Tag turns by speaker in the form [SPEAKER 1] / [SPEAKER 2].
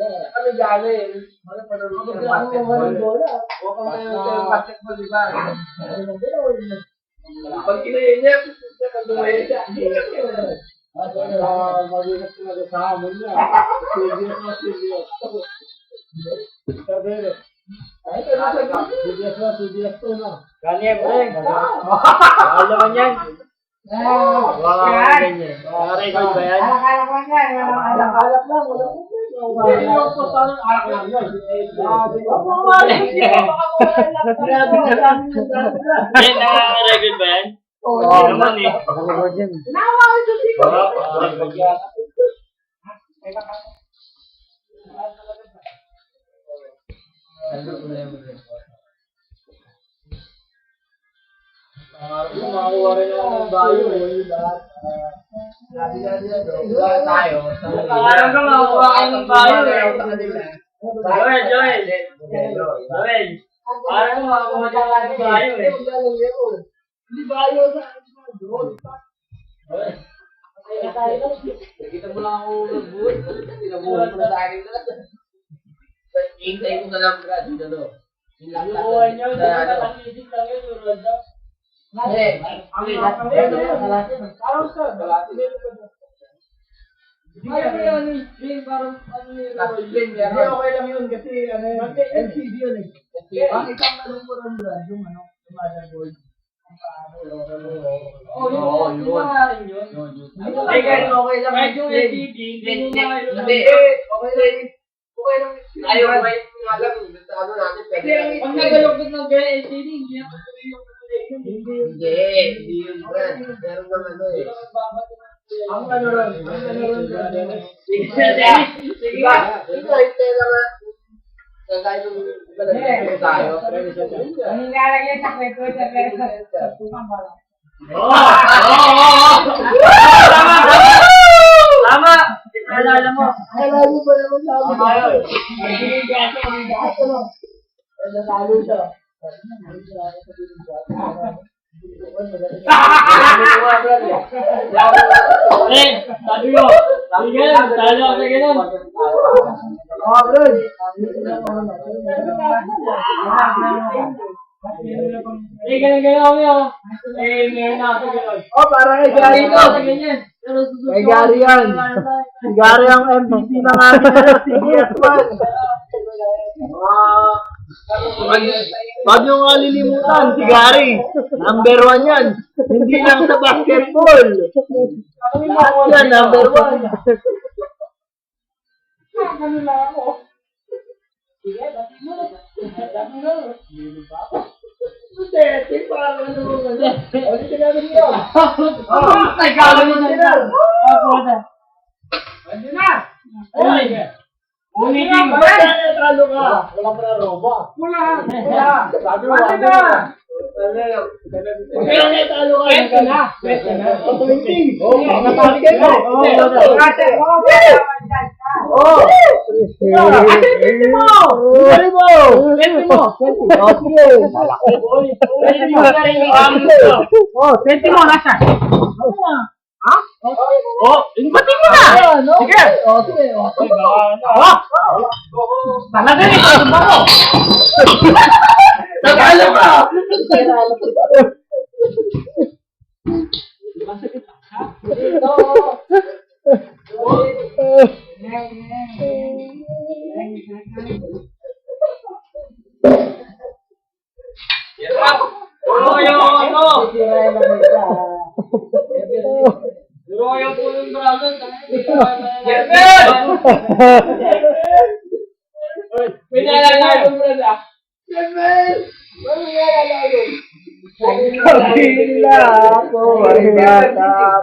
[SPEAKER 1] Kami galing. Ano pa naman yung basketball? Huwag kang yung basketball, di ba? Pag kinayin niya, kagawin siya. Mag-ingat ko na sa hamon niya. Serious. Sabi ay, CBS to na.
[SPEAKER 2] Kanya, pre. Bawal naman yan. Bawal naman yan. Record ba yan?
[SPEAKER 3] Alak-alak lang yan.
[SPEAKER 1] Alak-alak lang. Hindi yung postahan ng alak lang yun.
[SPEAKER 2] Record ba yan? Oo naman eh.
[SPEAKER 3] Nawa ito siya.
[SPEAKER 1] Makakuha rin ako ng bayo eh. Tayo.
[SPEAKER 2] Parang ka makakuha ka ng bayo eh. Joel. Parang ka makakuha ka ng bayo eh.
[SPEAKER 1] Hindi bayo sa doon. Nakita mo lang ako nag-buhay. Pinabuhay mo na sa akin na. Hintay ko na lang brad. Yung lang
[SPEAKER 2] Buhay niyo, nakatangidin lang yun.
[SPEAKER 1] Parang sa galati. Hindi okay lang yun kasi LCD yun eh. Bakit ang tanong mo rin brad yung motherboard?
[SPEAKER 2] Oo, yun.
[SPEAKER 1] Okay lang.
[SPEAKER 2] Kahit yung LCD, hindi mo
[SPEAKER 1] Okay lang. Ayaw ko nga lang. Ano natin, pwede lang.
[SPEAKER 2] Pag nagalugod ng LCD, hindi na yung
[SPEAKER 1] Hindi yun, Brad. Meron naman ano eh. Ang ano ron, Sige ba? Ito, hintay lang na. Kahit yung iba tayo.
[SPEAKER 3] Ang nilalagyan sa kwento sa tukang bala.
[SPEAKER 2] Tama! Alala mo.
[SPEAKER 1] Alala mo pa naman sa amin. Nasalo siya.
[SPEAKER 2] Sabi mo, talo ako sa ganun.
[SPEAKER 1] Brad.
[SPEAKER 2] Ganun ako yun. Ngayon ako sa ganun.
[SPEAKER 1] Parang kay Gary to. Kay Gary yan. Si Gary ang MVP ng ating CBS1. Wag nyo nga lilimutan, si Gary. Number 1 yan. Hindi lang sa basketball. Lahat yan, number 1.
[SPEAKER 3] Ano lang ako? Sige, bati mo.
[SPEAKER 1] Hindi, parang ano mo nga. Ulit ka namin yun.
[SPEAKER 2] Ay, gawin mo na yan.
[SPEAKER 1] Ano na?
[SPEAKER 2] Ulitin mo.
[SPEAKER 1] Talo ka. Wala pa na roba.
[SPEAKER 3] Wala.
[SPEAKER 1] Sabi mo, ano na? Kaya nga talo ka.
[SPEAKER 3] Pwede na.
[SPEAKER 1] 20.
[SPEAKER 3] Natali
[SPEAKER 1] ka.
[SPEAKER 2] Inbatin mo na! Sige! Talaga rin! Ano ba mo?
[SPEAKER 1] Nagalo ka!
[SPEAKER 2] Puro yung ano! Puro yung pulong dragon! Pinalalago mo na!
[SPEAKER 1] Kabila ako ay bata.